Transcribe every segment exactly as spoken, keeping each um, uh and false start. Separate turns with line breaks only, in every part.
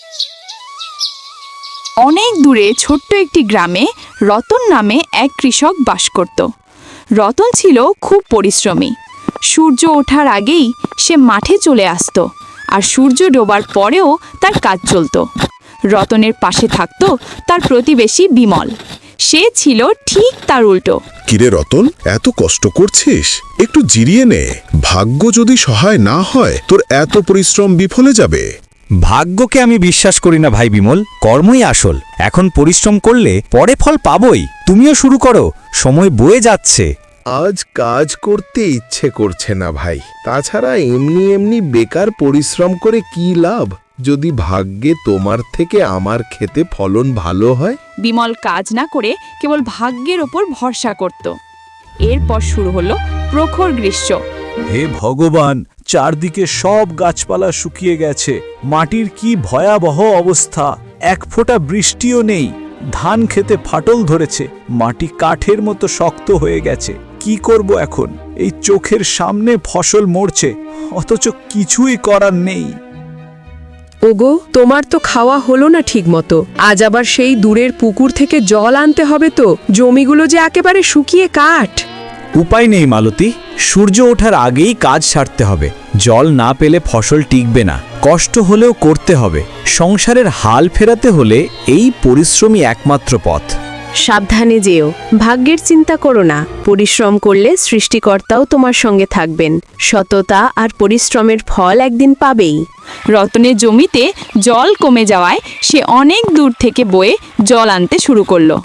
অনেক দূরে ছোট্ট একটি গ্রামে রতন নামে এক কৃষক বাস করত। রতন ছিল খুব পরিশ্রমী। সূর্য ওঠার আগেই সে মাঠে চলে আসতো, আর সূর্য ডোবার পরেও তার কাজ চলত। রতনের পাশে থাকত তার প্রতিবেশী বিমল। সে ছিল ঠিক তার উল্টো।
কিরে রতন, এত কষ্ট করছিস, একটু জিরিয়ে নে। ভাগ্য যদি সহায় না হয় তোর এত পরিশ্রম বিফলে যাবে।
ভাগ্যকে আমি বিশ্বাস করি না ভাই বিমল, কর্মই আসল। এখন পরিশ্রম করলে পরে ফল পাবই। তুমিও শুরু করো, সময় বয়ে যাচ্ছে।
আজ কাজ করতে ইচ্ছে করছে না ভাই। তাছাড়া এমনি এমনি বেকার পরিশ্রম করে কি লাভ, যদি ভাগ্যে তোমার থেকে আমার খেতে ফলন ভালো হয়।
বিমল কাজ না করে কেবল ভাগ্যের ওপর ভরসা করত। এরপর শুরু হলো প্রখর গ্রীষ্ম।
হে ভগবান, চারদিকে সব গাছপালা শুকিয়ে গেছে। মাটির কি ভয়াবহ অবস্থা, এক ফোঁটা বৃষ্টিও নেই। ধান খেতে ফাটল ধরেছে, মাটি কাঠের মতো শক্ত হয়ে গেছে। কি করব এখন? এই চোখের সামনে ফসল মরছে, অথচ কিছুই করার নেই।
ওগো, তোমার তো খাওয়া হলো না ঠিক মতো। আজ আবার সেই দূরের পুকুর থেকে জল আনতে হবে তো। জমিগুলো যে একেবারে শুকিয়ে কাঠ।
উপায় নেই মালতী, সূর্য ওঠার আগেই কাজ সারতে হবে। জল না পেলে ফসল টিকবে না। কষ্ট হলেও করতে হবে। সংসারের হাল ফেরাতে হলে এই পরিশ্রমই একমাত্র পথ।
সাবধানে যেও, ভাগ্যের চিন্তা করো না। পরিশ্রম করলে সৃষ্টিকর্তাও তোমার সঙ্গে থাকবেন। সততা আর পরিশ্রমের ফল একদিন পাবেই।
রতনের জমিতে জল কমে যাওয়ায় সে অনেক দূর থেকে বয়ে জল আনতে শুরু করলো।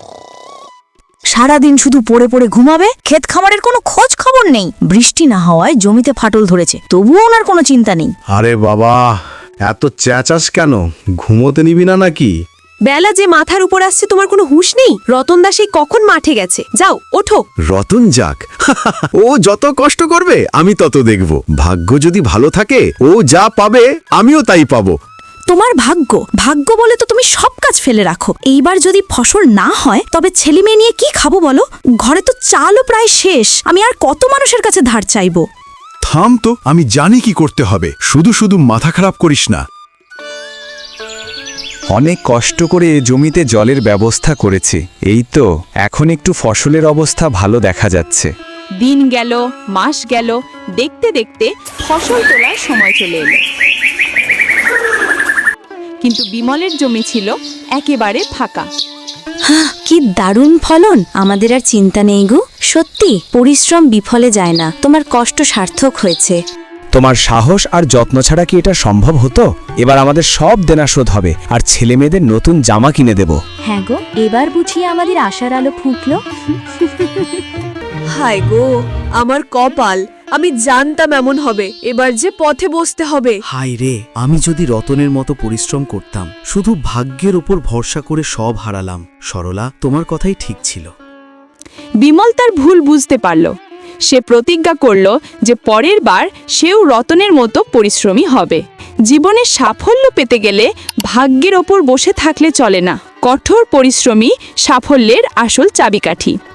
সারাদিন শুধু পড়ে পড়ে ঘুমাবে, ক্ষেত খামারের কোনো খোঁজ খবর নেই। বৃষ্টি না হওয়ায় জমিতে ফাটল ধরেছে, তবুও ওনার কোনো চিন্তা নেই।
আরে বাবা, এত চেঁচাস কেন? ঘুমোতে নিবি না নাকি?
বেলা যে মাথার উপর আসছে, তোমার কোনো হুঁশ নেই? রতন দা সেই কখন মাঠে গেছে। যাও, ওঠো।
রতন যাক, ও যত কষ্ট করবে আমি তত দেখব। ভাগ্য যদি ভালো থাকে, ও যা পাবে আমিও তাই পাবো।
তোমার ভাগ্য ভাগ্য বলে তো তুমি সব কাজ ফেলে রাখো। এইবার যদি ফসল না হয় তবে ছেলে মেয়ে নিয়ে কি খাবো বলো? ঘরে তো চালও প্রায় শেষ। আমি আর কত মানুষের কাছে ধার চাইবো?
থাম তো, আমি জানি কি করতে হবে। শুধু শুধু মাথা খারাপ করিস না।
অনেক কষ্ট করে জমিতে জলের ব্যবস্থা করেছি, এই তো এখন একটু ফসলের অবস্থা ভালো দেখা যাচ্ছে।
দিন গেল, মাস গেল, দেখতে দেখতে ফসল তোলার সময় চলে এলো। কিন্তু বিমলের জমি ছিল একেবারে ফাঁকা।
কি দারুণ ফলন! আমাদের আর চিন্তা নেই গো। সত্যি পরিশ্রম বিফলে যায় না, তোমার কষ্ট সার্থক হয়েছে।
তোমার সাহস আর যত্ন ছাড়া কি এটা সম্ভব হতো? এবার আমাদের সব দেনা শোধ হবে, আর ছেলে মেয়েদের নতুন জামা কিনে দেব।
হ্যাঁ গো, এবার বুঝিয়ে আমাদের আশার আলো ফুটলো।
হায় গো, আমার কপাল। আমি জানতাম এমন হবে। এবার যে পথে বসতে হবে।
হায় রে, আমি যদি রতনের মতো পরিশ্রম করতাম। শুধু ভাগ্যের উপর ভরসা করে সব হারালাম। সরলা, তোমার কথাই ঠিক ছিল।
বিমল তার ভুল বুঝতে পারল। সে প্রতিজ্ঞা করল যে পরের বার সেও রতনের মতো পরিশ্রমী হবে। জীবনে সাফল্য পেতে গেলে ভাগ্যের ওপর বসে থাকলে চলে না। কঠোর পরিশ্রমী সাফল্যের আসল চাবিকাঠি।